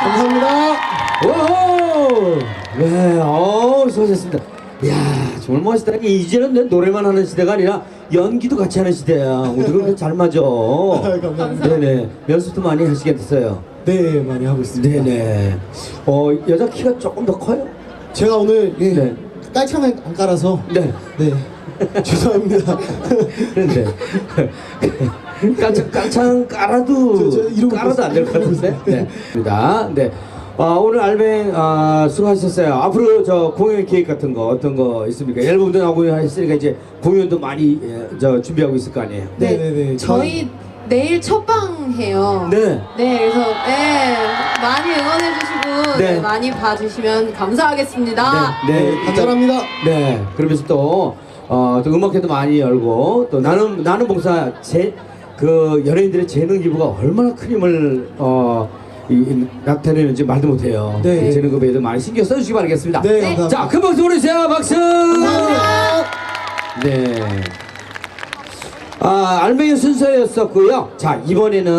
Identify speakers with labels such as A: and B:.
A: 감사합니다.
B: 오! 네, 수고하셨습니다. 이야, 정말 멋있다. 이제는 내 노래만 하는 시대가 아니라 연기도 같이 하는 시대야. 우리 그렇게 잘 맞아.
A: 감사합니다.
B: 네네. 연습도 많이 하시겠어요?
A: 네, 많이 하고 있습니다.
B: 네네. 여자 키가 조금 더 커요?
A: 제가 오늘
B: 네.
A: 깔창을 안 깔아서
B: 네.
A: 네. 죄송합니다.
B: 그런데 깔창 깔아도
A: 이러고
B: 깔아도 안 될 것 같은데. 네. 네. 오늘 알뱅 수고하셨어요. 앞으로 저 공연 계획 같은 거 어떤 거 있습니까? 앨범도 나오고 했으니까 이제 공연도 많이 준비하고 있을 거 아니에요.
A: 네네네.
C: 저희 내일 첫방 해요.
B: 네.
C: 네, 그래서 많이 응원해 주시고
B: 네.
C: 많이 봐주시면 감사하겠습니다.
B: 네.
A: 감사합니다.
B: 네. 그러면서 또 음악회도 많이 열고 또 나는 봉사 그 연예인들의 재능 기부가 얼마나 큰 힘을 나타내는지 말도 못해요.
A: 네.
B: 재능 기부에도 많이 신경 써주시기 바라겠습니다.
A: 네, 감사합니다.
B: 자, 큰 박수 보내주세요. 박수. 네. 알맹이 순서였었고요. 자, 이번에는